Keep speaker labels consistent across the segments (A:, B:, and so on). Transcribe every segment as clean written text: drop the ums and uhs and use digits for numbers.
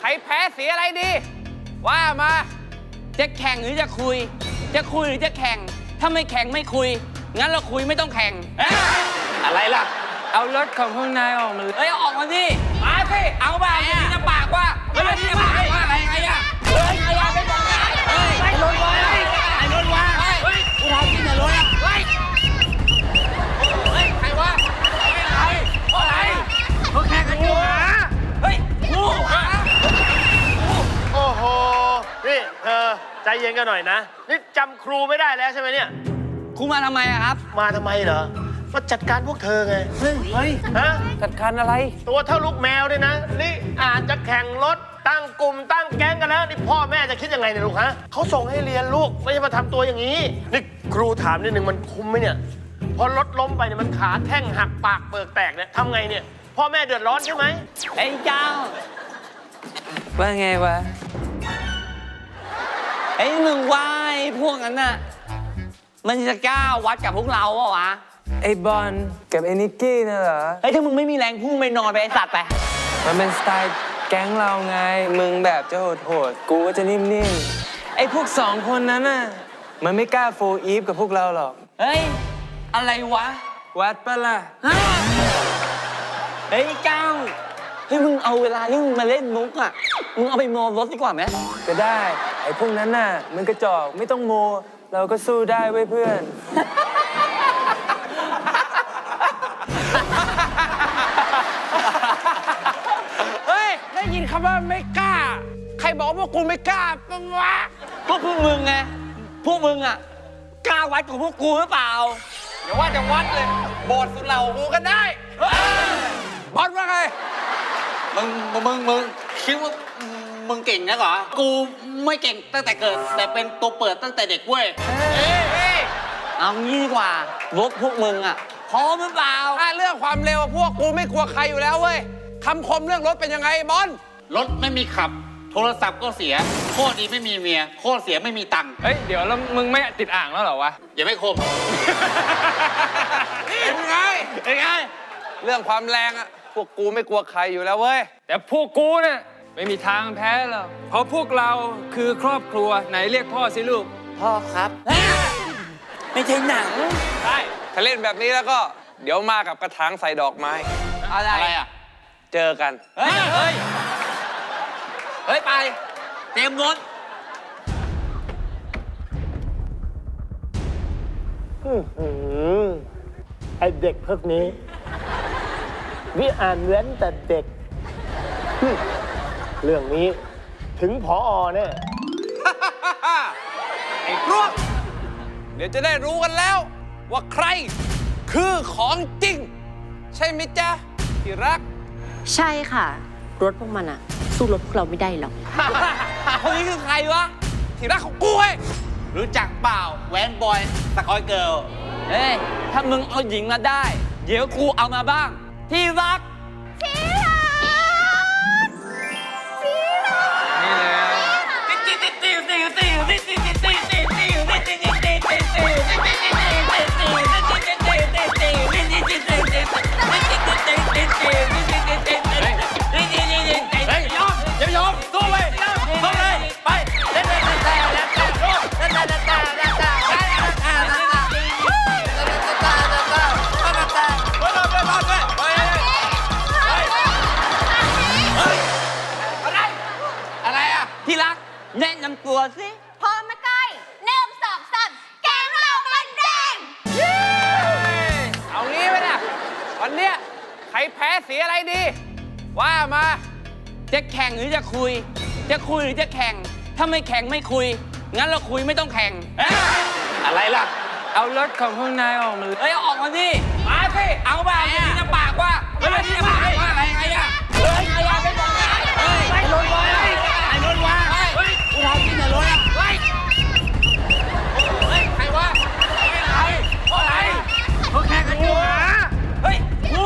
A: รแพ้สีอะไรดี ว่ามาจะแข่งหรือจะคุย จะคุยหรือจะแข่งถ้าไม่แข่งไม่คุยงั้นเราคุยไม่ต้องแข่งอะไรล่ะเอารถของพวกนายออกมาเลยเอาออกมาสิมาสิเอาบ้าที่จะปากว่าที่จะปากว่าอะไรไงอะไงอะไม่บอกไอ้รถวะไอ้รถวะกูทำกินแต่รถอะใครวะอะไรเขาแข่งกันอยู่กู
B: โอ้โหนี่เธอใจเย็นกันหน่อยนะนี่จำครูไม่ได้แล้วใช่ไหมเนี่ย
A: ครูมาทำไมอะครับ
B: มาทำไมเหรอมาจัดการพวกเธอไงเฮ้ยฮะ
A: จัดการอะไร
B: ตัวเท่าลูกแมวเลยนะนี่อาจจะแข่งรถตั้งกลุ่มตั้งแก๊งกันแล้วนี่พ่อแม่จะคิดยังไงเนี่ยลูกฮะเขาส่งให้เรียนลูกไม่ใช่มาทำตัวอย่างนี้นี่ครูถามนิดนึงมันคุ้มไหมเนี่ยพอรถล้มไปเนี่ยมันขาแท่งหักปากเปิกแตกเนี่ยทำไงเนี่ยพ่อแม่เดือดร้อนใช่ไหม
A: ไอ้เจ้าว่าไงวะไอ้มึงว่าไอ้พวกนั้นน่ะมันจะกล้าวัดกับพวกเราเปล่าวะ
C: ไอ้บอลกับไอ้นิกกี้น่ะเหรอ
A: ถ้ามึงไม่มีแรงพุ่งไปนอนไปไอ้สัตว์ไป
C: มันเป็นสไตล์แก๊งเราไงมึงแบบจะโหดๆกูก็จะนิ่มๆไอ้พวก2 คนนั้นน่ะมันไม่กล้าโฟอีฟกับพวกเราหรอก
A: เฮ้ยอะไรวะ
C: วัดปะล่ะ
A: เฮ้ยก้าวมึงเอาเวลาที่มึงมาเล่นมุกอ่ะมึงเอาไปโมรถดีกว่าไหม
C: ก็ได้ไอ้พวกนั้นน่ะมันกระจอกไม่ต้องโมเราก็สู้ได้เว้ยเพื่อน
A: เฮ้ยได้ยินคำว่าไม่กล้าใครบอกว่ากูไม่กล้าปะวะพวกมึงไงพวกมึงอ่ะกล้าวัดของพวกกูหรือเปล่าอย่าว่าจะวัดเลยโบสถ์สุดเหล่ากูก็ได้บอสว่าไง
D: มึงคิดว่ามึงเก่งนะเหรอกูไม่เก่งตั้งแต่เกิดแต่เป็นตัวเปิดตั้งแต่เด็กเว้ย
A: เอางี้ดีกว่าพวกมึงอ่ะพร้อมหรือเปล่าเรื่องความเร็วพวกกูไม่กลัวใครอยู่แล้วเว้ยคำคมเรื่องรถเป็นยังไงบอล
D: รถไม่มีขับโทรศัพท์ก็เสียโคตรดีไม่มีเมียโคตรเสียไม่มีตังค์
A: เฮ้ยเดี๋ยวแล้วมึงไม่ติดอ่างแล้วเหรอวะ
D: อย่าไม่คม
A: เป็นไงเรื่องความแรงอ่ะพวกกูไม่กลัวใครอยู่แล้วเว้ยแต่พวกกูเนี่ยไม่มีทางแพ้หรอกเพราะพวกเราคือครอบครัวไหนเรียกพ่อสิลูก
D: พ่อครับ
A: ไม่ใช่หนัง
C: ใช่ถ้าเล่นแบบนี้แล้วก็เดี๋ยวมากับกระถางใส่ดอกไม้
D: อะไรอ่ะ
C: เจอกัน
A: เฮ้ยไปเตรียมรถ
B: ไอเด็กพวกนี้วิอ่านเว้นแต่เด็กเรื่องนี้ถึงผอ.เนี่ย
A: ไอ้พวกเดี๋ยวจะได้รู้กันแล้วว่าใครคือของจริงใช่ไหมจ๊ะที่รัก
E: ใช่ค่ะรถพวกมันอะสู้รถพวกเราไม่ได้หรอก
A: คนนี้คือใครวะที่รักของกูเว้ย
D: รู้จักเปล่าแวนบอยสกอยเกิร์ล
A: เฮ้ยถ้ามึงเอาหญิงมาได้เดี๋ยวกูเอามาบ้างที่รัก
C: นี่เลย
A: ยอมสู้ไปสู้เลยไปเล่นอะไรอ่ะที่รักแนะนำตัวสิ
F: พร้อมมาใกล้1 2 3แกงเรามันแดง
A: เอางี้ไปนะวันเนี้ยใครแพ้สีอะไรดีว่ามาจะแข่งหรือจะคุยจะคุยหรือจะแข่งถ้าไม่แข่งไม่คุยงั้นเราคุยไม่ต้องแข่ง
D: อะไรล่ะ
C: เอารถของพวกนายออกมาเลย
A: เอาออกมาสิมาสิเอาบ้าที่จะปากว่าที่จะปากว่าอะไรไงอะไงอะไม่บอกไอ้รถวะไอ้รถวะกูทำกินแต่รถอะใครวะอะไรเขาแข่งกันอยู่กู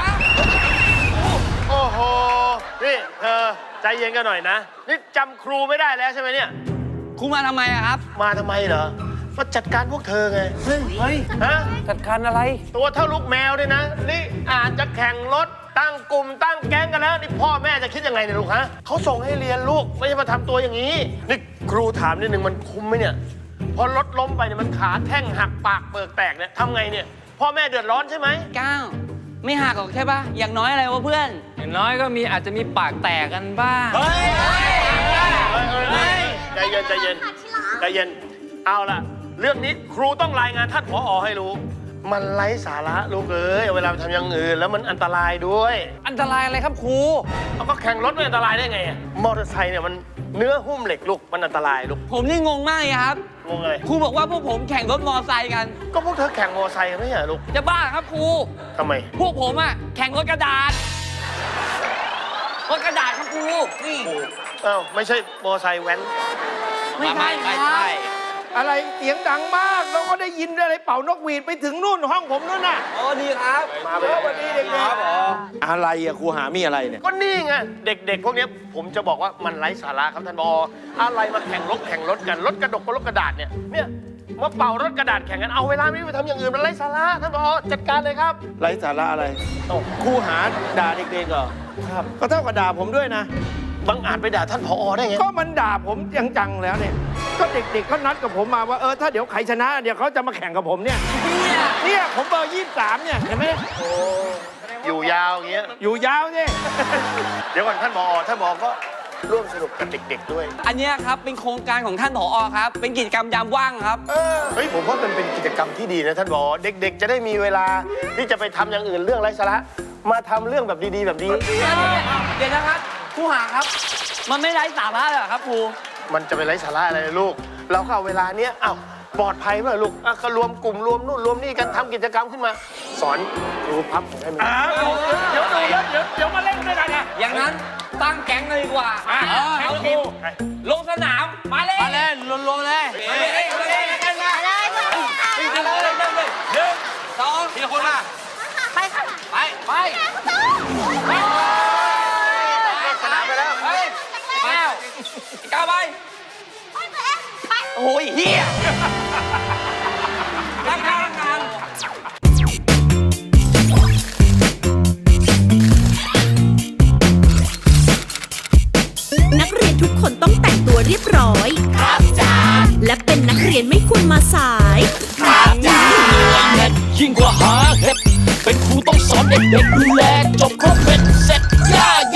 B: โอ้โหนี่เธอใจเย็นกันหน่อยนะนี่จำครูไม่ได้แล้วใช่ไหมเนี่ย
A: ครูมาทำไมอะครับ
B: มาทำไมเหรอมาจัดการพวกเธอไง
C: เฮ้ย
B: ฮะ
C: จัดการอะไร
B: ตัวเท่าลูกแมวเลยนะนี่อาจจะแข่งรถตั้งกลุ่มตั้งแก๊งกันแล้วนี่พ่อแม่จะคิดยังไงเนี่ยลูกฮะเขาส่งให้เรียนลูกไม่ใช่มาทำตัวอย่างนี้นี่ครูถามนิดนึงมันคุ้มไหมเนี่ยพอรถล้มไปเนี่ยมันขาแท่งหักปากเปิกแตกเนี่ยทำไงเนี่ยพ่อแม่เดือดร้อนใช่ไหม
A: ก้าวไม่หักหรอกใช่ปะอย่างน้อยอะไรวะเพื่อน
C: อย่างน้อยก็อาจจะมีปากแตกกันบ้าง
B: ใจเย็นใจเย็นใจเย็นเอาล่ะเรื่องนี้ครูต้องรายงานท่านผอให้รู้มันไร้สาระลูกเอ้ยเวลาไปทำอย่างอื่นแล้วมันอันตรายด้วย
C: อันตรายอะไรครับครู
B: เอาก็แข่งรถไม่อันตรายได้ไงอะมอเตอร์ไซค์เนี่ยมันเนื้อหุ้มเหล็กลูกมันอันตรายลูก
A: ผมนี่งงมากเลยครับ
B: งงเลย
A: ครูบอกว่าพวกผมแข่งรถมอไซค์กัน
B: ก็พวกเธอแข่งมอเตอร์ไซค์กันไม่ใช่เหรอลูก
A: จะบ้าครับครู
B: ทำไม
A: พวกผมอะแข่งรถกระดาษ รถกระดาษครับครู นี่
B: อ้าวไม่ใช่มอเตอร์ไซค์แว้น
A: ไม่ใช่ครับ
G: อะไรเสียงดังมากแล้วก็ได้ยินอะไรเป่านกหวีดไปถึงนู่นห้องผมนู่นน่ะ
A: โอ้ดีครับ
B: มาไปแล้ว
G: วันนี้เด็กๆอะไรอะครูหามีอะไรเนี่ย
B: ก็นี่ไงเด็กๆพวกเนี้ยผมจะบอกว่ามันไร้สาระครับท่านผออะไรมาแข่งรถกันรถกระดกกับรถกระดาษเนี่ยมาเป่ารถกระดาษแข่งกันเอาเวลาไม่ไปทำอย่างอื่นมันไร้สาระท่านผอจัดการเลยครับ
G: ไร้สาระอะไรครูหาด่าเด็กๆเหรอครับก็เท่ากับด่าผมด้วยนะ
B: บังอาจไปด่าท่านผอได้ไง
G: ก็มันด่าผมจังๆแล้วเนี่ยก็เด็กๆเขานัดกับผมมาว่าถ้าเดี๋ยวใครชนะเดี๋ยวเขาจะมาแข่งกับผมเนี่ยเนี่ยผมเบอร์23เนี่ยเห็นไหม
B: อยู่ยาวอย่างเงี้ย
G: อยู่ยาวเนี่ย
B: เดี๋ยวก่อนท่านผอก็ร่วมสนุกกับเด็กๆด้วย
A: อันเนี้ยครับเป็นโครงการของท่านผอครับ เป็นกิจกรรมยามว่างครับ
B: เฮ้ยผมว่ามันเป็นกิจกรรมที่ดีนะท่านผอเด็กๆ จะได้มีเวลาที่จะไปทำอย่างอื่นเรื่องไร้สาระมาทำเรื่องแบบดีๆแบบนี้
A: เดี๋ยวนะครับครูหาครับ มันไม่ไร้สาระเลยเหรอครับครู
B: มันจะไปไร้สาระอะไรเลยลูก เราก็เอาเวลาเนี้ยปลอดภัยไหมลูกก็รวมกลุ่มรวมนู่นรวมนี่กันทำกิจกรรมขึ้นมา สอนครูพับของให้มัน
G: เดี๋ยวมาเล่นด้วยกันนะ
A: อย่างนั้นตั้งแก๊งเลยดีกว่าเอาทีมลงสนาม มาเลย
C: มาเล่นรวมๆเลย
A: มาเลยมาเลยมาเลยมาเลย1 2ทีละคนมา
F: ไปค่ะ
A: ไปไปสนามไปแล้วไปก้าวไป
F: ไปตัวเองไป
A: โอ้ยเฮียรักงาน
H: นักเรียนทุกคนต้องแต่งตัวเรียบร้อย ครับจ้าและเป็นนักเรียนไม่ควรมาสาย
I: ยิ่งกว่าหาเห็ดเป็นครูต้องสอนเด็กๆดูแล